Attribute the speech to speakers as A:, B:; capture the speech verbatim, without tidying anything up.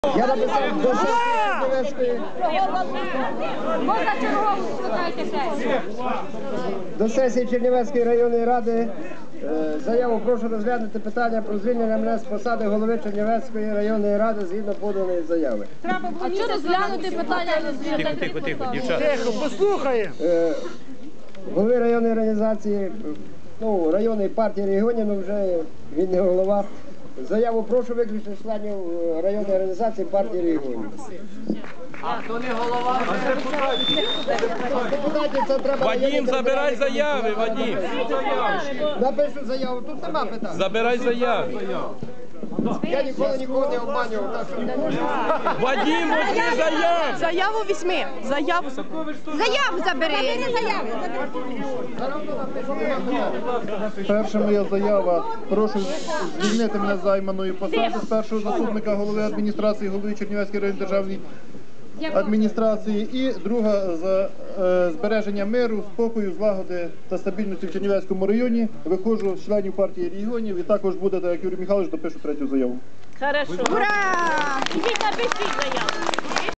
A: Я написав до сесії Чернівецької.
B: Можна чергову скликайте сесію.
A: До сесії Чернівецької районної ради е, заяву прошу розглянути питання про звільнення мене з посади голови Чернівецької районної ради згідно поданої заяви.
B: А що розглянути питання розглянути?
C: Тихо, тихо, тихо, дівчата.
D: Тихо, послухаємо.
A: Е, голови районної організації, ну, районної партії регіонів, ну вже він не голова. Заяву прошу виключити членів е, районної організації партії регіонів. Депутатів це треба...
C: Вадим, забирай заяви, Вадим.
A: Напишу заяву, тут нема питань.
C: Забирай заяви.
A: Я ніколи нікого не обманював, так що...
C: Вадим, возьми заяву.
E: Заяву візьми. Заяву. Заяву забери.
D: Перша моя заява. Прошу звільнити мене з займаної посади з першого заступника голови адміністрації, голови Чернівецької районної державної адміністрації. І друга за е, збереження миру, спокою, злагоди та стабільності в Чернівецькому районі. Виходжу з членів партії регіонів і також буде, так як Юрій Михайлович, допишу третю заяву.
E: Хорошо. Ура! Ідіть напишіть заяву.